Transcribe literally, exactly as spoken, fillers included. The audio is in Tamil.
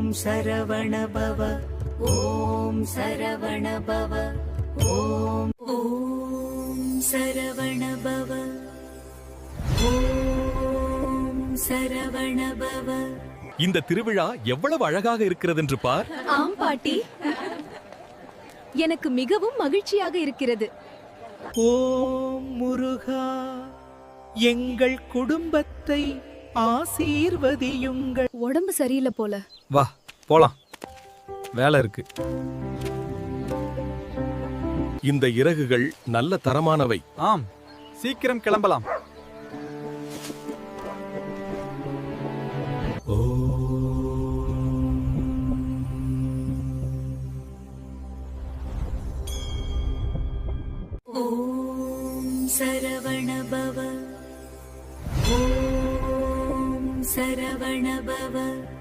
சரவண பவ ஓம் சரவண பவ ஓம் ஓம் சரவண பவ ஓம் சரவண பவ. இந்த திருவிழா எவ்வளவு அழகாக இருக்கிறது என்று பார். ஆம் பாட்டி, எனக்கு மிகவும் மகிழ்ச்சியாக இருக்கிறது. ஓம் முருகா, எங்கள் குடும்பத்தை ஆசீர்வதியுங்கள். உடம்பு சரியில்லை போல. வா போலாம், வேலை இருக்கு. இந்த இறகுகள் நல்ல தரமானவை. ஆம், சீக்கிரம் கிளம்பலாம். ஓம் சரவண பவ ஓம் சரவண பவ